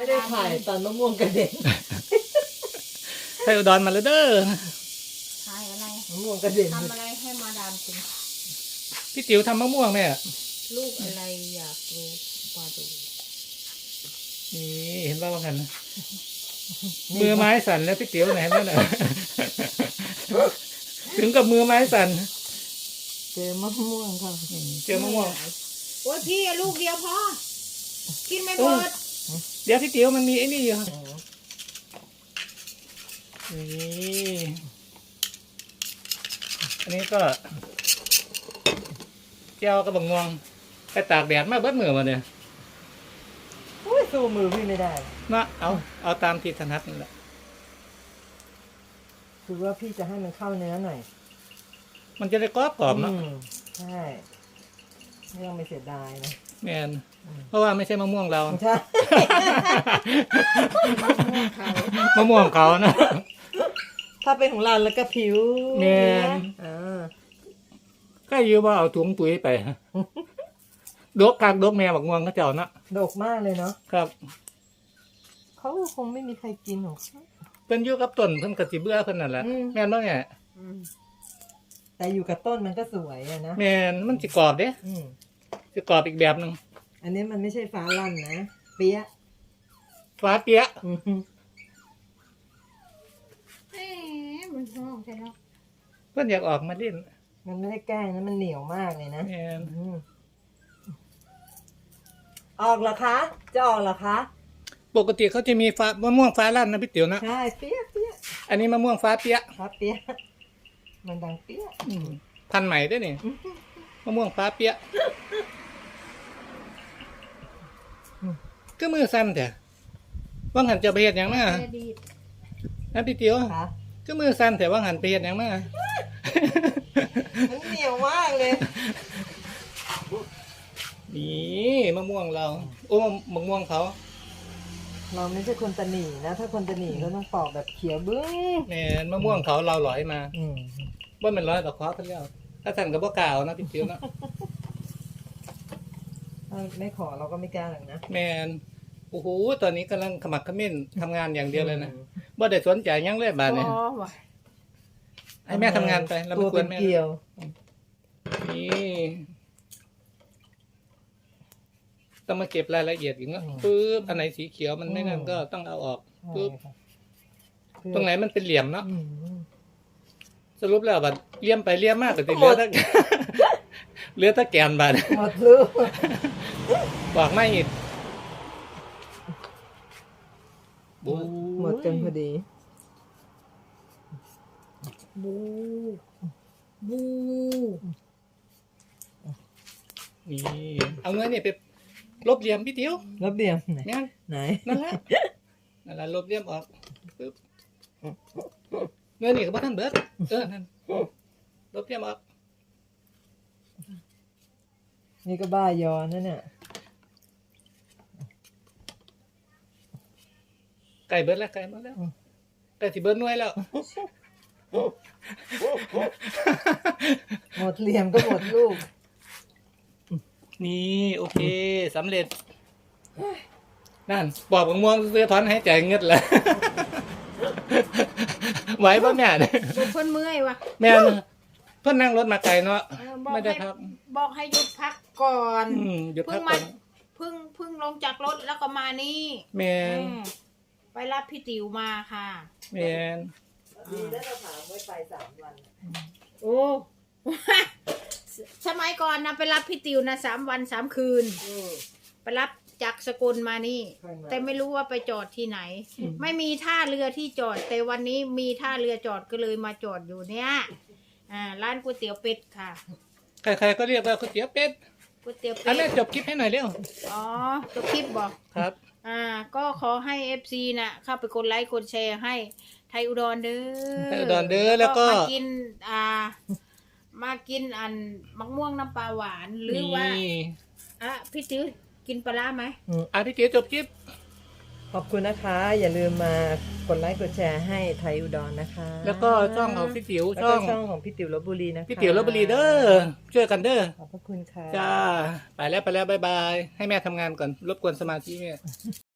ได้ถ่ายตอนมะม่วงกระเด็นไทยอุดรมาแล้วเด้อถ่ายอะไรมะม่วงกระเด็นทำอะไรให้มาดามกินพี่ติ๋วทำมะม่วงแม่ลูกอะไรอยากรู้มาดูนี่เห็นว่ากันมือไม้สั่นแล้วพี่ติ๋วไหนนั่นน่ะ ถึงกับมือไม้สั่นเจอมะม่วงค่ะเจอมะม่วงโอ้ยพี่ลูกเดียวพอกินไม่หมดเดี๋ยวพี่ติ๋วมันมีไอ้นี่อยู่นี่อันนี้ก็เจ้ากระบังงวงไปตากแดดมาเบิดมือมาเนี่ยอุ้ยสู้มือพี่ไม่ได้นะเอาตามที่ถนัดนี่แหละคือว่าพี่จะให้มันเข้าเนื้อหน่อยมันจะได้กรอบๆเนาะใช่ไม่ต้องไปเสียดายนะแมนเพราะว่าไม่ใช่มะม่วงเราใช่มะม่วงเขานะถ้าเป็นของเราแล้วก็ผิวแม่นอ่าก็ยืมว่าเอาถุงปุ๋ยไปดกกากดกแม่บักม่วงเขาเจ้านะดกมากเลยเนาะครับเขาคงไม่มีใครกินหรอกเพิ่นอยู่กับต้นเพิ่นก็สิเบื่อเพิ่นนั่นแหละอืมแม่นบ่แม่แต่อยู่กับต้นมันก็สวยอะนะแม่นมันสิกรอบเด้อืมสิกรอบอีกแบบหนึงอันนี้มันไม่ใช่ฟ้าลั่นนะเปี๊ยะฟ้าเปียะอืมเอ๊ะมันห้องใช่ไหมเพิ่นอยากออกมาเล่นมันไม่ได้แกล้งนะมันเหนียวมากเลยนะแม่นอืมออกเหรอคะ จะออกเหรอคะปกติเขาจะมีฟ้ามะม่วงฟ้าลั่นนะพี่ติ๋วนะใช่เปี๊ยะเปี๊ยะอันนี้มะม่วงฟ้าเปียะครับเปี๊ยะมันดังเปี๊ยะพันธุ์ใหม่เด้อนี่มะม่วงฟ้าเปียะก็มือสั่นแท้ว่างหันจะไปเฮ็ดหยังมาแม่ดีดนะพี่ติ๋วค่ะก็มือสั่นแต่ว่างหันไปเฮ็ดหยังมามันเหนียวมากเลยนี่มะม่วงเรา โอ้มะม่วงเขาเราไม่ใช่คนตะหนีนะ ถ้าคนตะหนีก็ต้องปอกแบบเขียวบึ้งแม่นมะม่วงเขาเราหลอยมาอืมว่ามันร้อยต่อคอเพิ่นแล้วถ้าสั่นก็บ่กล้าเอานะพี่ติ๋วนะถ้าไม่ขอเราก็ไม่กล้าหรอกนะแม่นโอ้โหตอนนี้กำลังขมักเขม้นทำงานอย่างเดียวเลยนะบ่ได้สนใจหยังเลยบาดนี้พอว่ะให้แม่ทำงานไปแล้วตัไม่วกวเป็น นแม่เกลียวนี่ต้องมาเก็บรายละเอียดอีกเนาะปึ๊บอันไหนสีเขียวมันไม่นั่นก็ต้องเอาออกปึ๊บใช่ค่ะตรงไหนมันเป็นเหลี่ยมเนาะอืมสรุปแล้วบัดเลี่ยมไปเลี่ยมมากก็สิเหลือแต่ เหลือแต่แกนบาดหมดลูกบอกไม่อีกบูหมดกันพอดีบูบูนี่เอาเงินนี่ไปลบเหลี่ยมพี่ติ๋วแล้วเบียมไหนเนี่ยไหนนั่นแหละนั่นแหละลบเหลี่ยมออกปึ๊บเงินนี่ก็บ่ทันเบิดนั่นลบเหลี่ยมออกนี่ก็บ้ายอนั่นน่ะไก่เบิดแล้วไก่เบิดแล้วไก่สิเบิดหน่วยแล้วหมดเหลี่ยมก็หมดลูกนี่โอเคสำเร็จนั่นบอกบังม่วงซื้อถอนหายใจเงึดแล้ว ไหวป่ะแม่เนี่ยเพิ่นเมื่อยว่ะแม่นะเพิ่นนั่งรถมาไกลเนาะบอกไม่ได้ให้พักบอกให้หยุดพักก่อนหยุดเพิ่พังกมาก่อนเพิ่งลงจากรถแล้วก็มานี่แม่อืมไปรับพี่ติ๋วมาค่ะแม่นดีแล้วเราถามไว้ไป3 วันโอ้ สมัยก่อนนะไปรับพี่ติ๋วนะ3 วัน 3 คืน ไปรับจากสกลมานี่ แต่ไม่รู้ว่าไปจอดที่ไหน ไม่มีท่าเรือที่จอด แต่วันนี้มีท่าเรือจอดก็เลยมาจอดอยู่เนี่ยร้านก๋วยเตี๋ยวเป็ดค่ะใครๆก็เรียกว่าก๋วยเตี๋ยวเป็ดก๋วยเตี๋ยวอันเป็นี้ดจบคลิปให้หน่อยเร็วอ๋อตัวคลิปบอกครับก็ขอให้ FC น่ะเข้าไปกดไลค์กดแชร์ให้ไทยอุดรเด้อไทยอุดรเด้อแล้วก็มากินมากินอันมะม่วงน้ำปลาหวานหรือว่านี่พี่ติ๋วกินปลาร้าไหมพี่ติ๋วจบคลิปขอบคุณนะคะ อย่าลืมมากดไลค์กดแชร์ให้ไทยอุดรนะคะแล้วก็ช่องของพี่ติ๋วแล้วช่ก็องช่องของพี่ติ๋วลพบุรีนะคะพี่ติ๋วลพบุรีเด้อช่วยกันเด้อขอบพระคุณค่ะจ้าไปแล้วบ๊ายบายให้แม่ทำงานก่อนรบกวนสมาธิแม่